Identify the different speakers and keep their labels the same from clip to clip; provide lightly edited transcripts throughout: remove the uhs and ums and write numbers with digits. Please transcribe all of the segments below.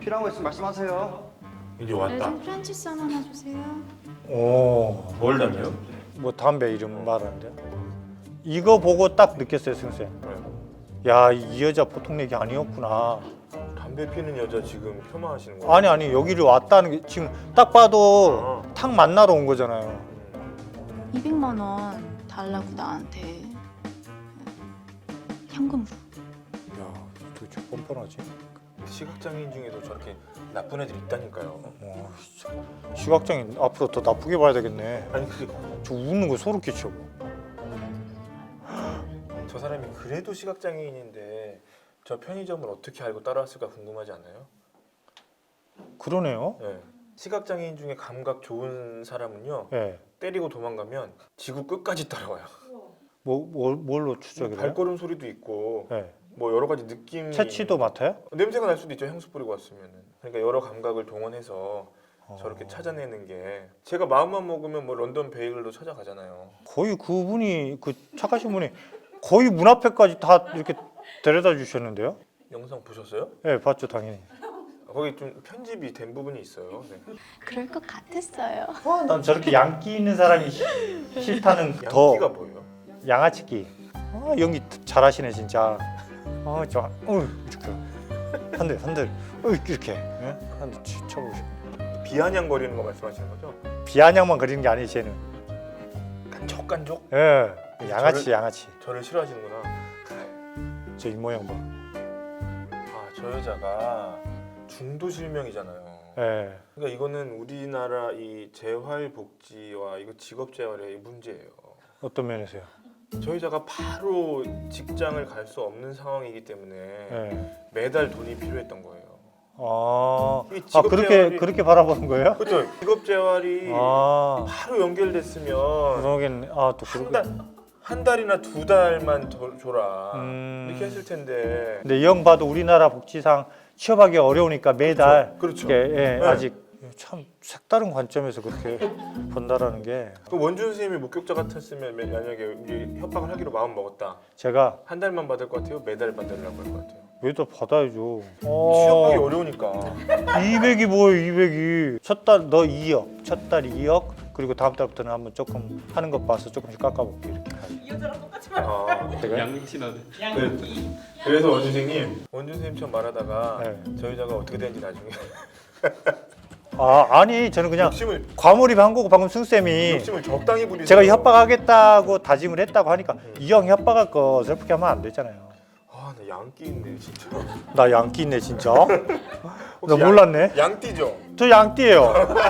Speaker 1: 필요한 거 있으면 말씀하세요.
Speaker 2: 이제 왔다.
Speaker 3: 좀 프란치스 하나 주세요.
Speaker 4: 오,
Speaker 2: 뭘 달래요?
Speaker 4: 뭐 담배 이름 말하는데. 이거 보고 딱 느꼈어요, 승쌤.
Speaker 2: 네.
Speaker 4: 야, 이 여자 보통 얘기 아니었구나.
Speaker 2: 담배 피는 여자 지금 폄하하시는 거예요?
Speaker 4: 아니 여기를 왔다는 게 지금 딱 봐도 탁 만나러 온 거잖아요.
Speaker 3: 200만 원 달라고 나한테 현금으로.
Speaker 4: 야, 도대체 뻔뻔하지.
Speaker 2: 시각장애인 중에도 저렇게 나쁜 애들 있다니까요.
Speaker 4: 진짜. 시각장애인 앞으로 더 나쁘게 봐야 되겠네.
Speaker 2: 아니 그게
Speaker 4: 저 웃는 거 소름 끼쳐.
Speaker 2: 저 사람이 그래도 시각장애인인데 저 편의점을 어떻게 알고 따라왔을까 궁금하지 않아요?
Speaker 4: 그러네요.
Speaker 2: 네. 시각장애인 중에 감각 좋은 사람은요
Speaker 4: 예.
Speaker 2: 때리고 도망가면 지구 끝까지 따라와요.
Speaker 4: 뭘로 추적해요?
Speaker 2: 발걸음 소리도 있고
Speaker 4: 예.
Speaker 2: 뭐 여러 가지 느낌이
Speaker 4: 채취도 맡아요?
Speaker 2: 냄새가 날 수도 있죠. 향수 뿌리고 왔으면은. 그러니까 여러 감각을 동원해서 저렇게 찾아내는 게 제가 마음만 먹으면 뭐 런던 베이글도 찾아가잖아요.
Speaker 4: 거의 그분이 그 착하신 분이 거의 문 앞에까지 다 이렇게 데려다 주셨는데요?
Speaker 2: 영상 보셨어요?
Speaker 4: 예, 봤죠 당연히.
Speaker 2: 거기 좀 편집이 된 부분이 있어요. 네.
Speaker 3: 그럴 것 같았어요.
Speaker 4: 난 저렇게 양기 있는 사람이 싫다는 더
Speaker 2: 양기가 뭐예요?
Speaker 4: 양아치기. 연기 잘하시네 진짜. 저, 이렇게 한들, 이렇게 한대 쳐보시고.
Speaker 2: 비아냥거리는 거 말씀하시는 거죠?
Speaker 4: 비아냥만 그리는 게 아니지 쟤는.
Speaker 2: 깐족깐족?
Speaker 4: 예, 양아치.
Speaker 2: 저를 싫어하시는구나.
Speaker 4: 저 입모양 봐.
Speaker 2: 저 여자가 중도 실명이잖아요.
Speaker 4: 예.
Speaker 2: 그러니까 이거는 우리나라 이 재활복지와 이거 직업재활의 문제예요.
Speaker 4: 어떤 면에서요?
Speaker 2: 저 여자가 바로 직장을 갈 수 없는 상황이기 때문에
Speaker 4: 예.
Speaker 2: 매달 돈이 필요했던 거예요. 이
Speaker 4: 그렇게 바라보는 거예요?
Speaker 2: 그렇죠. 직업재활이 바로 연결됐으면
Speaker 4: 그러겠네. 또
Speaker 2: 한 달이나 두 달만 더 줘라 이렇게 했을 텐데.
Speaker 4: 근데 이 형 봐도 우리나라 복지상 취업하기 어려우니까 매달
Speaker 2: 그렇죠.
Speaker 4: 이렇게,
Speaker 2: 네.
Speaker 4: 아직 참 색다른 관점에서 그렇게 본다라는 게
Speaker 2: 그 원준 선생님이 목격자 같았으면 만약에 우리 협박을 하기로 마음 먹었다.
Speaker 4: 제가
Speaker 2: 한 달만 받을 것 같아요? 매달 받으려고 할 것 같아요?
Speaker 4: 매달 받아야죠.
Speaker 2: 취업하기 어려우니까.
Speaker 4: 200이 뭐예요 200이. 첫 달 너 2억, 첫 달 2억, 그리고 다음 달부터는 한번 조금 하는 것 봐서 조금씩 깎아볼게 이렇게.
Speaker 5: 이 여자랑 똑같이
Speaker 4: 제가
Speaker 6: 양신하네.
Speaker 2: 그래서 원준 선생님처럼 말하다가
Speaker 4: 네.
Speaker 2: 저 여자가 어떻게 되는지 나중에
Speaker 4: 아니 저는 그냥
Speaker 2: 욕심을
Speaker 4: 과몰입한 거고 방금 승쌤이
Speaker 2: 적당히 부리세요.
Speaker 4: 제가 협박하겠다고 다짐을 했다고 하니까 이 형 협박할 거 어설프게 하면 안 되잖아요.
Speaker 2: 나 양띠 있네 진짜.
Speaker 4: 나 양띠 있네 진짜. 나
Speaker 2: 혹시
Speaker 4: 몰랐네.
Speaker 2: 양띠죠?
Speaker 4: 저 양띠예요.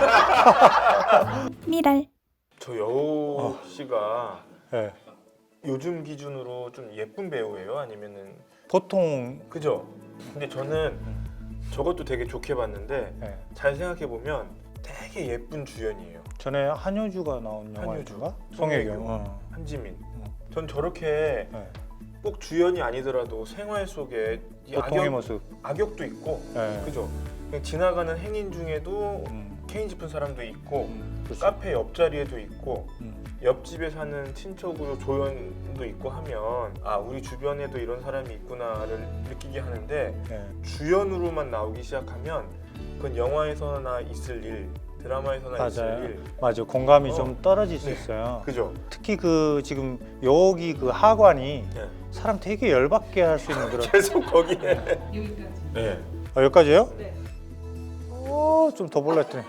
Speaker 3: 미랄.
Speaker 2: 저 여우 씨가
Speaker 4: 네.
Speaker 2: 요즘 기준으로 좀 예쁜 배우예요? 아니면은
Speaker 4: 보통
Speaker 2: 그죠? 근데 저는 저것도 되게 좋게 봤는데
Speaker 4: 네.
Speaker 2: 잘 생각해 보면 되게 예쁜 주연이에요.
Speaker 4: 전에 한효주가 나온 영화인가? 송혜교.
Speaker 2: 한지민. 전 저렇게
Speaker 4: 네.
Speaker 2: 꼭 주연이 아니더라도 생활 속에 이
Speaker 4: 보통의 모습.
Speaker 2: 악역도 있고
Speaker 4: 네.
Speaker 2: 그죠? 그냥 지나가는 행인 중에도
Speaker 4: 음.
Speaker 2: 케인 짚은 사람도 있고
Speaker 4: 그렇죠.
Speaker 2: 카페 옆자리에도 있고
Speaker 4: 음.
Speaker 2: 옆집에 사는 친척으로 조연도 있고 하면 우리 주변에도 이런 사람이 있구나를 느끼게 하는데
Speaker 4: 네.
Speaker 2: 주연으로만 나오기 시작하면 그건 영화에서나 있을 일, 드라마에서나 있을
Speaker 4: 맞아요.
Speaker 2: 일.
Speaker 4: 맞아. 공감이 좀 떨어질 수
Speaker 2: 네.
Speaker 4: 있어요.
Speaker 2: 그죠?
Speaker 4: 특히 그 지금 여기 그 하관이
Speaker 2: 네.
Speaker 4: 사람 되게 열받게 할 수 있는 그런.
Speaker 2: 계속 거기에.
Speaker 5: 여기까지.
Speaker 2: 네.
Speaker 4: 여기까지요?
Speaker 5: 네.
Speaker 4: 좀 더 볼라 했더니.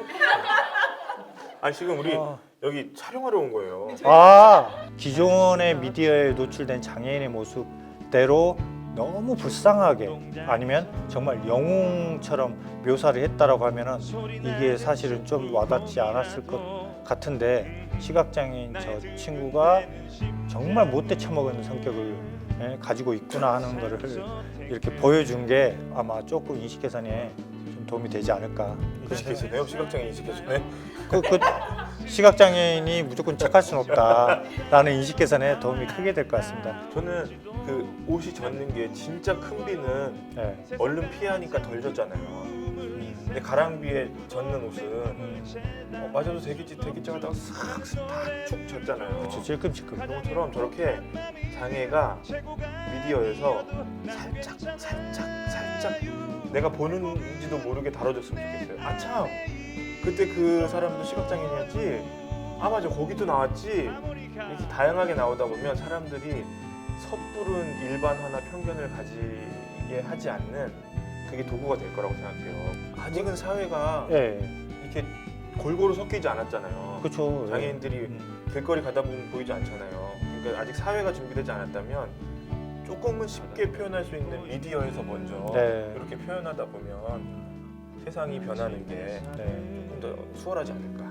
Speaker 2: 지금 우리 여기 촬영하러 온 거예요.
Speaker 4: 기존의 미디어에 노출된 장애인의 모습대로 너무 불쌍하게 아니면 정말 영웅처럼 묘사를 했다라고 하면은 이게 사실은 좀 와닿지 않았을 것 같은데 시각장애인 저 친구가 정말 못돼 처먹은 성격을 가지고 있구나 하는 거를 이렇게 보여준 게 아마 조금 인식 개선에 좀 도움이 되지 않을까.
Speaker 2: 인식해서네요. 시각장애인 인식해서네.
Speaker 4: 그 시각장애인이 무조건 착할 수는 없다라는 인식 개선에 도움이 크게 될 것 같습니다.
Speaker 2: 저는 그 옷이 젖는 게 진짜 큰 비는
Speaker 4: 네.
Speaker 2: 얼른 피하니까 덜 젖잖아요. 근데 가랑비에 젖는 옷은 맞아도 되겠지 하다가 싹다축 젖잖아요.
Speaker 4: 그렇죠. 찔끔찔끔.
Speaker 2: 그런 것처럼 저렇게 장애가 미디어에서 살짝 내가 보는지도 모르게 다뤄줬으면 좋겠어요. 아 참 그때 그 사람도 시각장애인이었지. 아 맞아 거기도 나왔지. 이렇게 다양하게 나오다 보면 사람들이 섣부른 일반화나 편견을 가지게 하지 않는 그게 도구가 될 거라고 생각해요. 아직은 사회가
Speaker 4: 예,
Speaker 2: 이렇게 골고루 섞이지 않았잖아요.
Speaker 4: 그렇죠.
Speaker 2: 장애인들이 길거리 가다 보면 보이지 않잖아요. 그러니까 아직 사회가 준비되지 않았다면 조금은 쉽게 표현할 수 있는 미디어에서 먼저
Speaker 4: 네.
Speaker 2: 이렇게 표현하다 보면 세상이 변하는 게
Speaker 4: 네.
Speaker 2: 조금 더 수월하지 않을까.